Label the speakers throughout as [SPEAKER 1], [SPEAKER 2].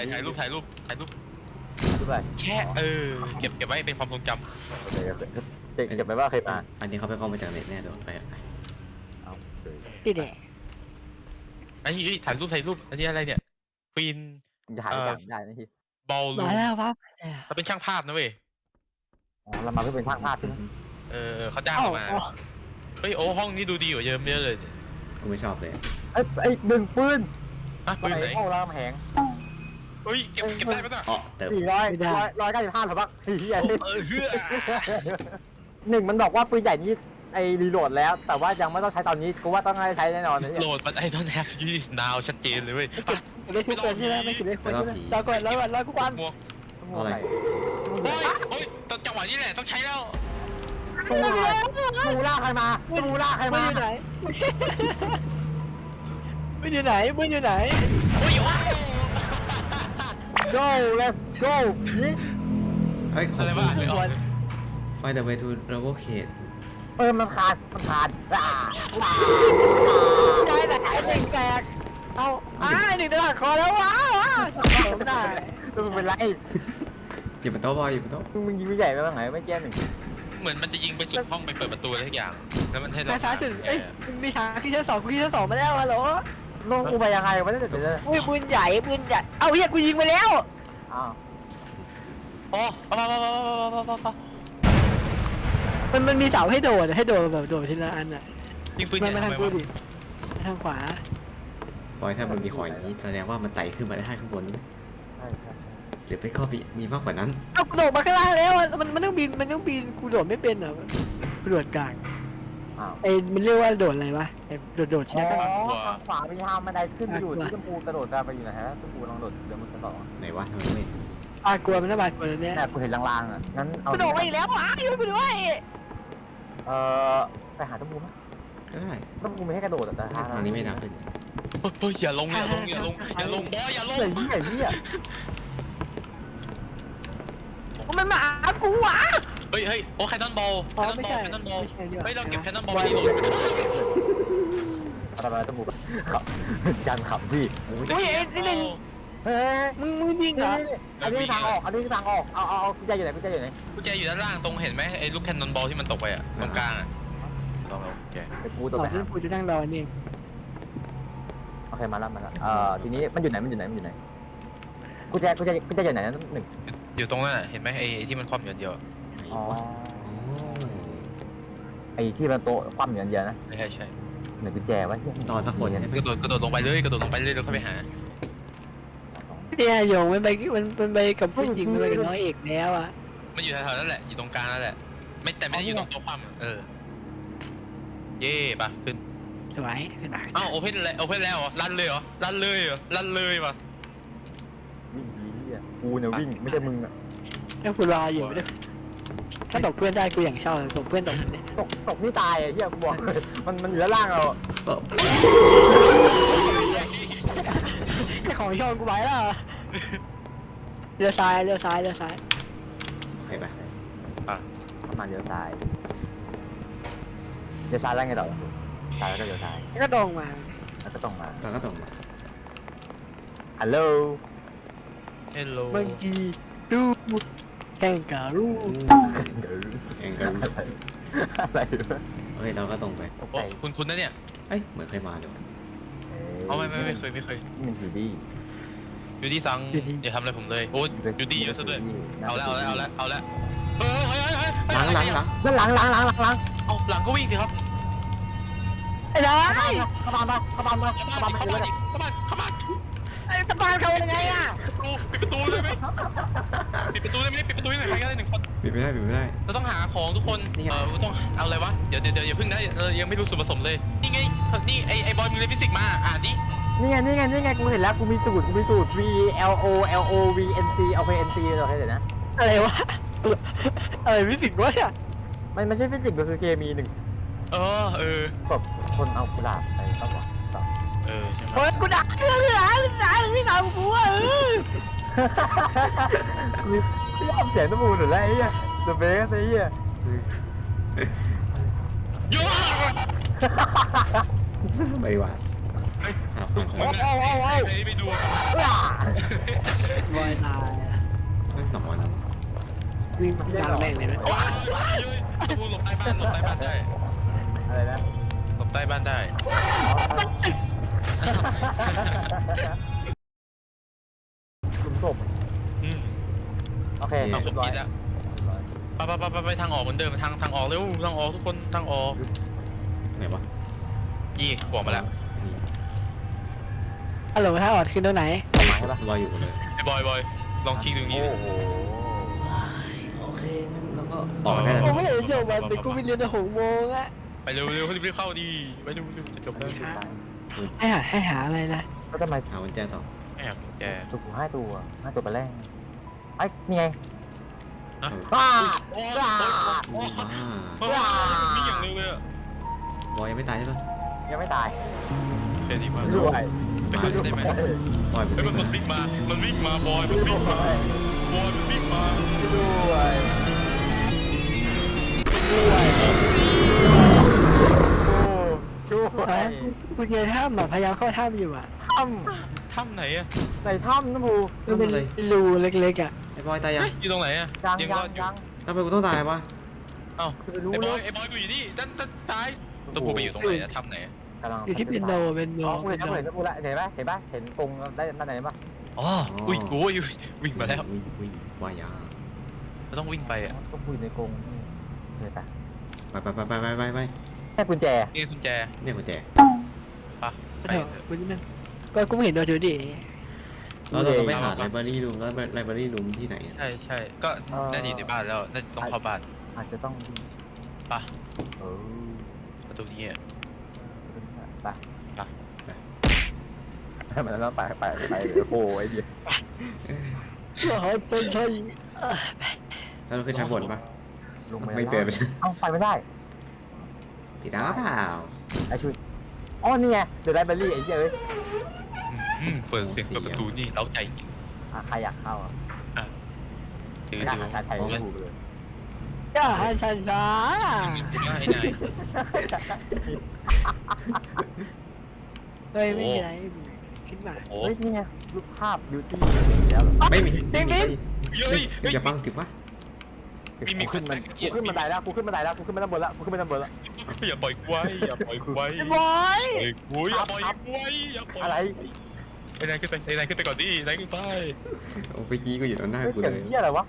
[SPEAKER 1] ถ่ายรูป
[SPEAKER 2] รูปอะไร
[SPEAKER 1] แช่เก็บไว้เป็นความทรงจำ
[SPEAKER 2] โอเคเก็บไว้ว่าเคยมา
[SPEAKER 3] อันนี้เขาไปเข้ามาจากเน็ตแน่โดนไป
[SPEAKER 2] เอา
[SPEAKER 4] ที่ไหน
[SPEAKER 1] ไอ้ถ่ายรูปอันนี้อะไรเนี่ยฟิน
[SPEAKER 2] จะหายอย่างได้นะที
[SPEAKER 1] บอลลู
[SPEAKER 4] มาแล้วครับ
[SPEAKER 1] เขาเป็นช่างภาพนะเว้ย
[SPEAKER 2] อ๋อเรามาเพื่อเป็นช่างภาพใช่ไหม
[SPEAKER 1] เขาจ้างเรามาเฮ้ยโอ้ห้องนี้ดูดีกว่าเยอะเลย
[SPEAKER 3] กูไม่ชอบเลย
[SPEAKER 2] ไอ้หนึ่งปืน
[SPEAKER 1] ปืนไหน
[SPEAKER 2] โอ้รามแหง
[SPEAKER 1] เฮ้ยเก็บได้ปะน่ะ
[SPEAKER 3] อ๋อเติม
[SPEAKER 2] 495หรือเปล่าเฮีย
[SPEAKER 1] เฮือ
[SPEAKER 2] หนึ่งมันบอกว่าปืนใหญ่นี้ไอ้รีโหลดแล้ว แต่ว่ายังไม่ต้องใช้ตอนนี้กูว่าต้องใช้แน่นอนนะเนี่ย
[SPEAKER 1] โหลดมันไอ้ต้นแฮปปี้นาวชัดเจนเลยเว้ย
[SPEAKER 4] ไม่ถูกคนใช่ไหมไม่ถูกคนใช่ไหมรอก่อนกูวัน
[SPEAKER 1] หมวก
[SPEAKER 3] อะไร
[SPEAKER 1] โอ้ยจังหวะนี้แหละต้องใช้แล้ว
[SPEAKER 2] มูล่าใครมามูล่าใคร
[SPEAKER 4] มึ
[SPEAKER 2] มาง
[SPEAKER 4] อยู่ไหนมึงอยู่ไหนมึงอยู่ไหน
[SPEAKER 1] โอ้ย
[SPEAKER 2] go let's go นี่
[SPEAKER 3] เฮ้ยของ
[SPEAKER 1] อะไร
[SPEAKER 3] กู
[SPEAKER 1] วะไม่ออก
[SPEAKER 3] ไฟเดอะเวทูโรโบเคท
[SPEAKER 2] มันขาด
[SPEAKER 4] ได้ไหนหนึ่งแตกเอาหนึ่งตลอดคอแล้วว้าวได้
[SPEAKER 2] มึงเป็นไร
[SPEAKER 3] อยู่บนโต๊ะบอยอยู่บนโต๊ะ
[SPEAKER 2] มึงยิงไม่ใหญ่ไปบ้างไหนไม่แก้หนึ่ง
[SPEAKER 1] เหมือนมันจะยิงไปสุดห้องไปเปิดประตูอะไรทุกอย่างแล้วมันให้เรา
[SPEAKER 4] มาช้าสุดเอ้ยมีช้าขึ้นชั้นสองกูขึ้นชั้นสองมาแล้วฮัลโหล
[SPEAKER 2] ลงกูไปยังไงวะเนี่ยเดี๋ยว
[SPEAKER 4] อุ้ยปืนใหญ่เอาเฮียกูยิงไปแล้ว
[SPEAKER 2] อ้าว
[SPEAKER 1] โอ้
[SPEAKER 4] มันมีเสาให้โดดแบบโดดทีละอันอ่ะ
[SPEAKER 1] ยิงปืน
[SPEAKER 4] มัน
[SPEAKER 1] ใหญ่
[SPEAKER 4] มาทาง
[SPEAKER 1] ทำไม
[SPEAKER 4] กู
[SPEAKER 1] วะ
[SPEAKER 4] ดิทางขวา
[SPEAKER 3] บอยถ้ามันมีของอย่างนี้แสดงว่ามันไต่ขึ้นมาได้ข้างบน
[SPEAKER 2] ใช่
[SPEAKER 3] หรือไปก็มีมากกว่านั้น
[SPEAKER 4] เอากูโดดมาข้างล่างแล้วมันต้องบินกูโดดไม่เป็นอ่ะกูโดดกลาง
[SPEAKER 2] อ้าว
[SPEAKER 4] ไอ้มันเรียกว่าโดดอะไรวะไอ้โดดใช่ไหม
[SPEAKER 2] ทางขวามีทางบันไดขึ้นไปอยู่ที่ชมพูกระโดดกันไปอยู่ไหนฮะชมพูลองโดดเดี๋ยวมันจะต่อ
[SPEAKER 3] ไหนวะทำไมไม่
[SPEAKER 4] กลัวมันน่าบาดกลัวเนี่ย
[SPEAKER 2] แต่กูเห็นลางๆอ่ะงั้นเอา
[SPEAKER 4] กูโดดมาอีกแล้วช่วยกูด้วย
[SPEAKER 2] ไปหาชมพูมั้ย
[SPEAKER 3] ก็ได้
[SPEAKER 2] ชมพูไม่ให้กระโดดแต่
[SPEAKER 3] ทางนี้ไม่ดังขึ้น
[SPEAKER 1] เฮ้ยอย่าลงบอยอย่าลง
[SPEAKER 2] ไอ้นี่
[SPEAKER 4] มันมากูวะ
[SPEAKER 1] เฮ้ยโอ้แคนนอนบอลเฮ้ยเราเก็บแคนนอนบอลไปดีโหลด
[SPEAKER 2] อะไรชมพูขับจันขับพี่
[SPEAKER 4] อุ้ยไอ้หนึ่ง
[SPEAKER 2] เฮ้ย
[SPEAKER 4] มึงยิงเหรอ
[SPEAKER 2] อันนี้ทางออกเอากุญแจอยู่ไหน
[SPEAKER 1] กุญแจอยู่ด้านล่างตรงเห็นไหมไอ้ลูกแคนนอนบอลที่มันตกไปอ่ะตรงกลางอ่ะลองแก
[SPEAKER 2] ไปกูต
[SPEAKER 4] ต่
[SPEAKER 2] ก
[SPEAKER 4] อ
[SPEAKER 2] ไป
[SPEAKER 4] ที่กูจะนั่งรอนี่
[SPEAKER 2] โอเคมาแล้วทีนี้มันอยู่ไหนกุญแจอยู่ไหนหนึ่ง
[SPEAKER 1] อยู่ตรงนั้นเห็นไหมไอ้ที่มันคว่ำอยู่เดียว
[SPEAKER 3] ไหน
[SPEAKER 2] อ๋อ
[SPEAKER 3] วะ
[SPEAKER 2] ไอ้ที่มันโต๊ะคว่ำอยู่อันเดียวนะ
[SPEAKER 1] ใช่
[SPEAKER 2] หนึ่งกุญแจวะ
[SPEAKER 3] ต่อสักคนใช่ไหม
[SPEAKER 1] กระโดดลงไปเลยแล้วค่อยไปหา
[SPEAKER 4] เนี่ยโยงมันไปกับผู้หญิงมันไปกับน้องเอกแล้วอ่ะ
[SPEAKER 1] มันอยู่แถวๆนั่นแหละอยู่ตรงกลางนั่นแหละแต่ไม่ได้อยู่ตรงโต๊ะคว่ำเย่ป่ะขึ้น
[SPEAKER 4] สวยขนาด
[SPEAKER 1] อ้าวโอเพนแล้วเหรอลั่นเลยป่ะ
[SPEAKER 2] วิ่งดีอ่ะกูเนี่ยวิ่งไม่ใช่มึงอ่ะ
[SPEAKER 4] ถ้ากูรออยู่ไม่ได้ถ้าตกเพื่อนได้กูอย่างชอบตกเพื่อนตกเนี่ย
[SPEAKER 2] ตกนี่ตายอ่ะที่กูบอกมันอยู่ด้านล่างเรา
[SPEAKER 3] ก็
[SPEAKER 4] ของชอบกูไปแล้วเรือซ้าย
[SPEAKER 3] โอเคปะ
[SPEAKER 2] ประมาณเลี้ยวซ้ายแล้วไงต่อซ้ายแล้วก็เลี้ยวซ้าย
[SPEAKER 4] แล้วก็ตรงมา
[SPEAKER 2] แล้วก็ต้องมา
[SPEAKER 3] ก็ตรงมา
[SPEAKER 2] ฮัลโหล
[SPEAKER 1] เฮลโล
[SPEAKER 4] บางทีดูแข่งการู
[SPEAKER 3] เองกัน
[SPEAKER 2] อะไร
[SPEAKER 3] เฮ้ยเราก็ตรงไป
[SPEAKER 1] โอ้คุณนะเนี่ย
[SPEAKER 3] เอ้ยเหมือนเคยมาเดี๋ยว
[SPEAKER 1] ไม่เคย
[SPEAKER 2] มันอยู่ดี
[SPEAKER 1] ยูดี้ซังอย่าทำอะไรผมเลยโอ้ยูดี้เยอะซะด้วยเอาแล้วเฮ้ย
[SPEAKER 3] หลัง
[SPEAKER 2] นั่นหลัง
[SPEAKER 1] เอาหลังก็วิ่งสิครับ
[SPEAKER 4] ไอ้นาย
[SPEAKER 2] เข้าบ้าน
[SPEAKER 4] ไอ้สปานเขายังไงอ่ะ
[SPEAKER 1] ปิดประตูได้ไหมปิดประตูได้ใครก็ได้1 คน
[SPEAKER 3] ปิดไม่ได้
[SPEAKER 1] เราต้องหาของทุกคนต้องเอาอะไรวะเดี๋ยวอย่าพึ่งนะยังไม่รู้ส่วนผสมเลยนี่ไงนี่ไอ้บอยมีเรียนฟิสิกส์มาอ่านดิ
[SPEAKER 2] นี่ไงกูเห็นแล้วกูมีสูตร V L O V N C เอาไป N C เราให้เดี๋ยวนะ
[SPEAKER 4] อะไรวะอะไรวิสิกวะเนี่ย
[SPEAKER 2] มันไม่ใช่ฟิสิกส์มันคือเคมีหนึ่ง
[SPEAKER 1] ศ
[SPEAKER 2] พคนเอากุหลาบไปต้องวะ
[SPEAKER 1] ใช่ไหม
[SPEAKER 4] โอ้ยกูด่าเรื่องที่ทำกูอ่ะ
[SPEAKER 2] กูยอมเสียงน้ำมูลหรือไรไอ้เหี้ยเดอะเบสไอ้เหี้ย
[SPEAKER 1] ยั่ว
[SPEAKER 3] ไปดีกว่าหาผ่าน
[SPEAKER 1] มึงนะไอ้ไปดู
[SPEAKER 4] อยตาย
[SPEAKER 3] ไม่หนอน
[SPEAKER 4] วิ่งยางแม่งเลยนะ
[SPEAKER 1] โอ้ยกูหลบใต้บ้านได้
[SPEAKER 2] อะไรนะ
[SPEAKER 1] หลบใต้บ้านได้
[SPEAKER 2] หลุมศพ
[SPEAKER 1] อืม
[SPEAKER 2] โอเค
[SPEAKER 1] เอาค
[SPEAKER 2] เรี
[SPEAKER 1] น
[SPEAKER 2] ยบร้อย
[SPEAKER 1] ผิดอะไปทางออกเหมือนเดิมทางออกเร็วทางออกทุกคนทางออก
[SPEAKER 3] ไหนวะ
[SPEAKER 1] ยี่บอกมาแล้ว
[SPEAKER 3] นี่
[SPEAKER 4] ฮัลโหลถ้าออดขึ้นตรงไหน
[SPEAKER 2] ออกมาใช่ปะ
[SPEAKER 3] รออยู่เลย
[SPEAKER 1] ไอ้บอยลองคลิกตรงนี้
[SPEAKER 2] โอ้โห
[SPEAKER 3] โอเคงั้นเราก็ออกได้แล้ว
[SPEAKER 4] โอ้ไม่เห็นจบมันเป็นกูไปเรียนใน6 โมงอะ
[SPEAKER 1] ไปเร็วรีบเข้าดีไปเร็วจะจบแล้ว
[SPEAKER 4] ให้หาอะไรนะ
[SPEAKER 2] ก็ทำไม
[SPEAKER 3] หากุญแจต่อ
[SPEAKER 1] แอบแก
[SPEAKER 2] ถูก5 ตัวไปแรกไอ้นี่ไง
[SPEAKER 1] อะ
[SPEAKER 2] ว้า
[SPEAKER 1] โอ้
[SPEAKER 2] ว้า
[SPEAKER 1] มีอย่างเร็วเลย
[SPEAKER 3] บอยยังไม่ตายใช่ปะ
[SPEAKER 2] ยังไม่ตาย
[SPEAKER 1] เคดีมาก
[SPEAKER 2] ด้วย
[SPEAKER 1] ไปช่วยได้ไหม
[SPEAKER 3] บอยเป็น
[SPEAKER 1] มันวิ่งมาบอยมันวิ่งมา
[SPEAKER 2] ด้วยช่วย
[SPEAKER 4] กูเจอถ้ำแบบพยายามเข้าถ้ำอยู่อะ
[SPEAKER 2] ถ้
[SPEAKER 1] ถ้ำไหนอะ
[SPEAKER 2] ำในถ้ำนะภู
[SPEAKER 4] มันเป็นรูเล็กๆอะ
[SPEAKER 3] ไอ้บอยตายยัง
[SPEAKER 1] อยู่ตรงไหนอะ
[SPEAKER 2] ยัง
[SPEAKER 1] ยัง
[SPEAKER 2] ยั
[SPEAKER 1] รง อดอยู่
[SPEAKER 2] ยัง
[SPEAKER 3] ทำไมกูต้องตายวะ
[SPEAKER 1] เอ้า
[SPEAKER 2] จะไปรู้
[SPEAKER 1] ไอ้บ
[SPEAKER 2] เล
[SPEAKER 1] อย
[SPEAKER 2] ย
[SPEAKER 1] ไอ้บอยกูอยู่นี่ด้านซ้ายตัวกูไปอยู่ตรงไหนอะถ้ำไหน
[SPEAKER 2] กำลัง
[SPEAKER 4] อยู่ที่เป็นโนเป็นโน
[SPEAKER 2] อ๋อกูเห็นแล้วเห็นแล้วเห็นปะเห็นกรงได้ด้านไหนปะ
[SPEAKER 1] อ๋ออุ้ยกูวิ่งมาแล้ว
[SPEAKER 3] อุ้ยบอยยา
[SPEAKER 1] เราต้องวิ่งไปอะ
[SPEAKER 2] ต้องคุยในกรงเลยปะ
[SPEAKER 3] ไป
[SPEAKER 2] แค่กุญแจ
[SPEAKER 1] นี่กุญแจ
[SPEAKER 3] เนี่ยกุญแจ
[SPEAKER 1] ปะไป
[SPEAKER 4] เถอะ
[SPEAKER 1] เถอะ
[SPEAKER 4] กูนี่นั่นก็ไม่เห็นโดนถือดิ
[SPEAKER 3] แล้วเราต้องไปหาไลบรารีรูมแล้วไลบรารีรูมที่ไหน
[SPEAKER 1] ใช่ก็น่าจะอยู่ในบ้านแล้วน่าจะต้องเข้าบ้าน
[SPEAKER 2] อาจจะต้อง
[SPEAKER 1] ปะ
[SPEAKER 2] เออ
[SPEAKER 1] ประตูนี้อะ
[SPEAKER 2] ไปมันแล้วไปโอ้ยเดียว
[SPEAKER 4] โอ้ยเป็นใช่
[SPEAKER 3] แล้วเราขึ้นชั้นบนปะ
[SPEAKER 2] ลง
[SPEAKER 3] ไม่เตือนไป
[SPEAKER 2] เอ้าไปไม่ได้
[SPEAKER 3] ผิดตาเปล่า
[SPEAKER 2] ไอชุดอ๋อนี่ไงเดอะไลบรารีไอ้เหี้ยเอ้ย
[SPEAKER 1] เปิดเสียงเปิดประตูนี่เล้าใจจริง
[SPEAKER 2] ใครอยากเข้าอ่ะ
[SPEAKER 1] ถือ
[SPEAKER 2] อยากหาไทยไม่ถูกเลย
[SPEAKER 4] ก็ให้ฉันช้า
[SPEAKER 1] ไอ้นาย
[SPEAKER 4] เฮ้ยไม่มีอะไรคิดมา
[SPEAKER 1] โอ้
[SPEAKER 2] เฮ้ยนี่ไงรูปภาพบิวตี้แล้ว
[SPEAKER 3] ไม่มี
[SPEAKER 1] เฮ้ย
[SPEAKER 3] อย่าบังสิวะ
[SPEAKER 1] มี
[SPEAKER 2] ขึ้นมันกูขึ้นบันไดแล้วกูขึ้นบันไดแล้วกูขึ้นไปด้านบนแล้วกูขึ้นไปด้านบนแล้ว
[SPEAKER 1] อย่าปล่อยกูไว้อย่าปล่อยกูไว้
[SPEAKER 4] บอย
[SPEAKER 1] อย่าปล่อยกูไว้อย่าปล่อย
[SPEAKER 2] อะไร
[SPEAKER 1] ไอ้นายขึ้นไปก่อนดินายขึ้นไป
[SPEAKER 3] โอ้เมื่อกี้ก็อยู่ตรงหน้า
[SPEAKER 2] เฮ้ย
[SPEAKER 3] กู
[SPEAKER 2] เสียง
[SPEAKER 3] เลย
[SPEAKER 2] เหี้ยอะไรวะ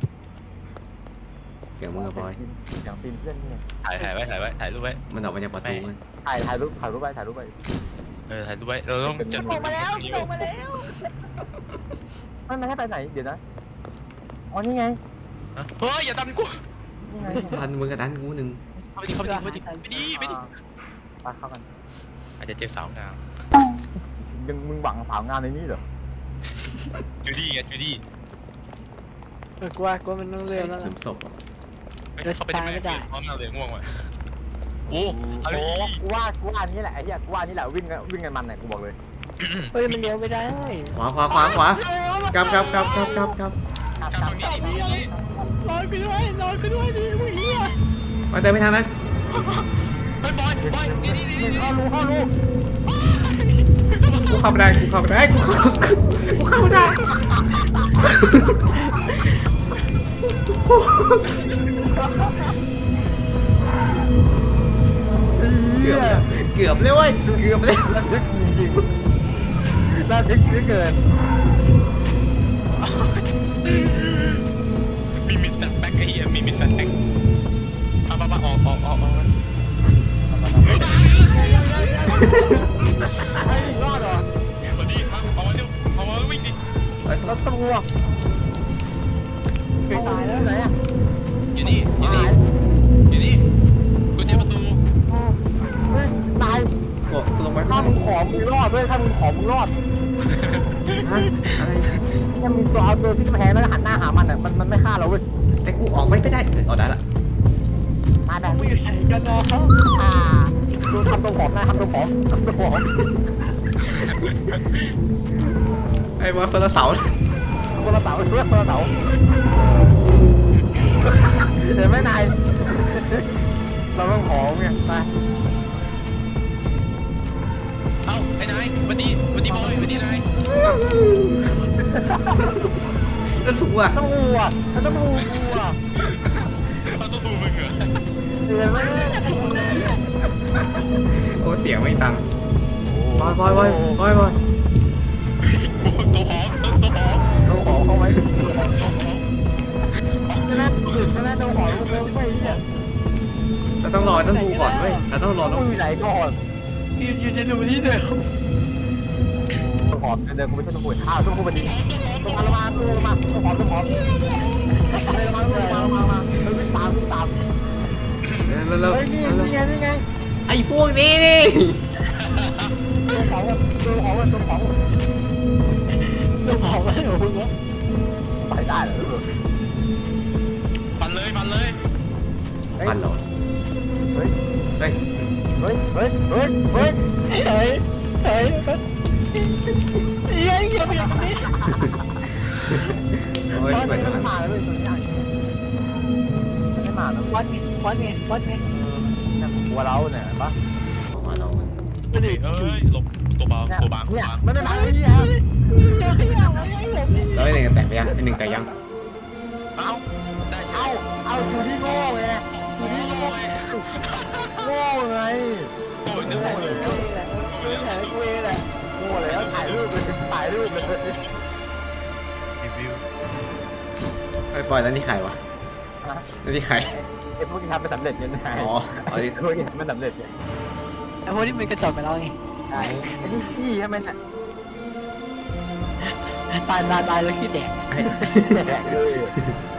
[SPEAKER 3] เสียงมึงกับบอย
[SPEAKER 2] เสียงปีนเพื่อนนี่
[SPEAKER 1] ถ่ายไว้ถ่ายรูปไว้
[SPEAKER 3] มันออกมาจากประตูมัน
[SPEAKER 2] ถ่ายรูปไป
[SPEAKER 1] ถ่ายรูปไว้เราต้องจัด
[SPEAKER 4] ลงมาแล้วลงมาแล้ว
[SPEAKER 2] ไม่ให้ไปไหนเดี๋ยวนะอ๋อนี่ไง
[SPEAKER 1] เฮ้ยอย่าดันกู
[SPEAKER 2] นี่ไง
[SPEAKER 3] ทันมึงกับทันกูหนึ่ง
[SPEAKER 1] เข้าไปดิไปดิ
[SPEAKER 2] ไปเข้ากัน
[SPEAKER 1] อาจจะเจอสาวงาม
[SPEAKER 2] ยังมึงหวังสาวงามในนี้เหรอ
[SPEAKER 1] จูดี้
[SPEAKER 4] กลัวมันต้องเร็วแล้ว
[SPEAKER 3] หลุมศพ
[SPEAKER 1] เขาไปได้ไหมพร้อมมาเลยง่วงว่ะโอ้อะไร
[SPEAKER 2] กูว่านี่แหละไอ้เหี้ยกูว่านี่แหละวิ่งกันมันเนี่ยกูบอกเลย
[SPEAKER 4] เฮ้ยมันเลี้ยวไม่ได้
[SPEAKER 3] ขวากลับ
[SPEAKER 1] กลับ
[SPEAKER 2] กลับ
[SPEAKER 1] ทางนี้
[SPEAKER 4] นอนกูด้วยดิมึงเหี้ย
[SPEAKER 3] ไปเติมไปทางนั้น
[SPEAKER 1] เฮ้ยบอยนี่
[SPEAKER 2] เข้ารู
[SPEAKER 3] กูเข้าไม่ได้กูเข้าไม่ได้ เกือบเลยเว้ยเกือบเลย
[SPEAKER 2] ระทึกจริงๆระทึกเหลือเกิน
[SPEAKER 1] มีแฟลชแบ็กไอ้เหี้ยมีแฟลชแบ็กออก
[SPEAKER 2] ให้รอดเหรอ
[SPEAKER 1] วันนี้เอามาเร็วเอามาวิ่งดิ
[SPEAKER 2] รถตำรวจ
[SPEAKER 4] ไปตายแล้ว
[SPEAKER 2] ไหนอ่ะ
[SPEAKER 1] อยู่นี่กุญแจประตู
[SPEAKER 2] ตาย
[SPEAKER 3] กดลงไป
[SPEAKER 2] ถ้ามึงขอมึงรอดด้วยถ้ามึงขอมึงรอด
[SPEAKER 3] อะไร
[SPEAKER 2] ยังมีตัวเอาตัวที่แพ้แล้วหันหน้าหามันอ่ะมันไม่ฆ่าเราเว้ย
[SPEAKER 3] แต่กูออกไม่ได้เอาได้ละ
[SPEAKER 2] มาแบบ
[SPEAKER 4] มึงอยู่ไหนกันเนาะ
[SPEAKER 2] ดูทำตัวผอมนะทำตัวผอม
[SPEAKER 3] ไอ้บอลคนละเสา
[SPEAKER 2] คนละเสาเพื่อนคนละเสาเดี๋ยวไม่นายเราต้องผอมไงไป
[SPEAKER 1] เอ้าไอ้นายวันนี้บอยวันนี้นาย
[SPEAKER 3] ก็ถูกอ่ะ
[SPEAKER 2] ต้องหูอ่ะต้องหูกูอ่ะ
[SPEAKER 1] เราต้องดูมึงเหรอ
[SPEAKER 2] เดี๋ยวไม่
[SPEAKER 3] โอ้เสียงไม่ตังบอย
[SPEAKER 1] ตัวหอมตัวหอม
[SPEAKER 2] ต้องขอเข้าไว้ใช่ไหมใช่ไหมต้องขอลงไปเนี่ย
[SPEAKER 3] เราต้องรอต้องดูก่อนเว้ยเราต้องรอ
[SPEAKER 2] ต้
[SPEAKER 3] ต้
[SPEAKER 2] อ
[SPEAKER 3] อง ง
[SPEAKER 2] อยู่ไหนก่อน
[SPEAKER 4] อยู่จะดูที่เดิม
[SPEAKER 2] ต้องขอเดินกูไม่ใช่ต้องหูอ้าวต้องหูมันดีต้องมาต้องขอมาวิ่งตาม
[SPEAKER 3] แล้ว
[SPEAKER 2] เฮ้ยนี่ไง
[SPEAKER 3] ไอ้พวกนี้นี่
[SPEAKER 2] ตัวของ
[SPEAKER 4] เราบอกว่าหนูว่า
[SPEAKER 2] ไปได้เหรอ
[SPEAKER 1] ปั่นเลย
[SPEAKER 3] มันเหรอ
[SPEAKER 2] เฮ้ย
[SPEAKER 3] เฮ้ย
[SPEAKER 4] เฮ้ยเฮ้ยเยังยังไม่
[SPEAKER 3] โอ้ยเปิด
[SPEAKER 2] ไม่
[SPEAKER 3] มา
[SPEAKER 2] มาเลยไม่มาแล้ว
[SPEAKER 4] วัดไง
[SPEAKER 2] กลัวเราเนี่ยปะ
[SPEAKER 3] ออกมาเรา
[SPEAKER 1] เอ้ยหลบตัวเบาตัวบาง
[SPEAKER 2] เนี่ยไม่มาเลยเนี่ย
[SPEAKER 3] แล้วไอ้หนึ่งแตกไปยังไอ้หนึ่งแตกยัง
[SPEAKER 1] เอ้าได้
[SPEAKER 2] เอาอยู่ที่โง่ไงอยู่ที่โง่ไง
[SPEAKER 1] โอ้ยนึกว่า
[SPEAKER 2] โง่แล้วถ่ายรูปเลย
[SPEAKER 1] รีวิว
[SPEAKER 3] ไอ้ปอยแล้วนี่ใครวะแล้วนี่ใคร
[SPEAKER 2] ไอ้พวกที่ทำไม่สำเร็จยังไง
[SPEAKER 3] อ๋อเอาดิ
[SPEAKER 2] พวกที่ทำไม่สำเร็จเนี่ย
[SPEAKER 4] ไอ้พวกนี้มันกระจอกไปแล้วไง
[SPEAKER 2] ไอ้นี่ขี้ทำไมน่ะ
[SPEAKER 4] ตายแล้วขี้แตก
[SPEAKER 3] ไอ้
[SPEAKER 2] แดกเลย